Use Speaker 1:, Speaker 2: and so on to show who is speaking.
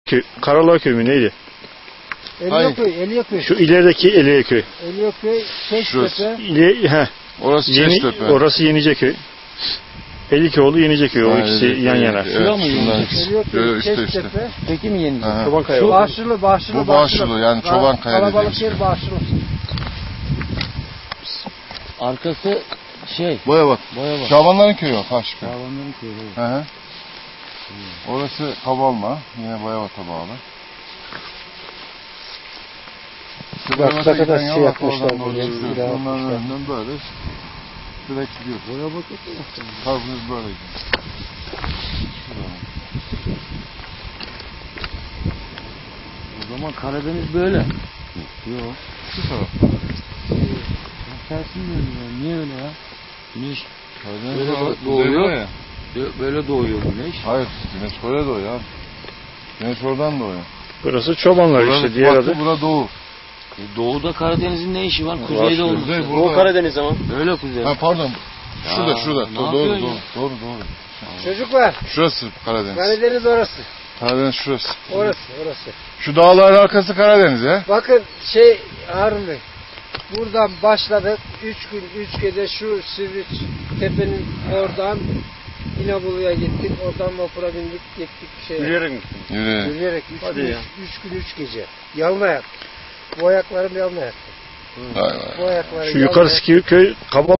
Speaker 1: Karalar mü neydi?
Speaker 2: Eliyeköy.
Speaker 1: Şu ilerideki Eliyeköy.
Speaker 2: Eliyeköy, Çeştepe.
Speaker 3: Orası Çeştepe.
Speaker 1: Orası Yeniceköy. Elikoğlu Yeniceköy. O ikisi yan yana.
Speaker 2: Şura mı Yeniceköy? Çeştepe.
Speaker 4: Peki mi Yeniceköy?
Speaker 1: Çobankaya.
Speaker 2: Bağışlı.
Speaker 3: Bu Bağışlı yani Çobankaya dediğimiz.
Speaker 2: Kalabalık yer Bağışlı.
Speaker 4: Arkası
Speaker 3: Boyabat. Şabanların köyü o. Taşköy.
Speaker 4: Şabanların köyü.
Speaker 3: Hı. Orası Kabalma. Yine Boyabat'a bağlı.
Speaker 2: Bak ne kadar şey yapmışlar.
Speaker 3: Onların önünden böyle direkt gidiyor.
Speaker 4: Boyabat'a da
Speaker 3: Tarzımız böyle gidiyor.
Speaker 4: O zaman Karadeniz böyle. Yok.
Speaker 3: Şu taraf.
Speaker 4: Tersin dönüyor. Niye öyle ya? Güneş
Speaker 3: Karadeniz
Speaker 4: böyle
Speaker 3: doğuyor
Speaker 4: doğuyor.
Speaker 3: ya.
Speaker 4: Böyle doğuyor güneş.
Speaker 3: Hayır, güneş böyle doğuyor abi. Güneş oradan doğuyor.
Speaker 1: Burası çobanlar işte diğer adı.
Speaker 3: Bura doğu.
Speaker 4: Doğuda Karadeniz'in ne işi var? Kuzeyde olmuş.
Speaker 3: Doğu
Speaker 4: Karadeniz ama. Öyle kuzey.
Speaker 3: Ha pardon. Şurada. Doğru.
Speaker 2: Çocuklar.
Speaker 3: Şurası Karadeniz.
Speaker 2: Karadeniz orası.
Speaker 3: Karadeniz şurası.
Speaker 2: Orası.
Speaker 3: Şu dağların arkası Karadeniz ya.
Speaker 2: Bakın Harun Bey. Buradan başladık. 3 gün 3 gece şu Sivri tepenin oradan İnebolu'ya gittik. Oradan vapura bindik gittik
Speaker 1: Yürüyerek mi?
Speaker 2: Yürüyerek 3 gün 3 gece. Yalın ayak. Bu ayaklarım yalın ayak.
Speaker 3: Vay.
Speaker 2: Bu ayaklarım
Speaker 1: Şu yukarısı köy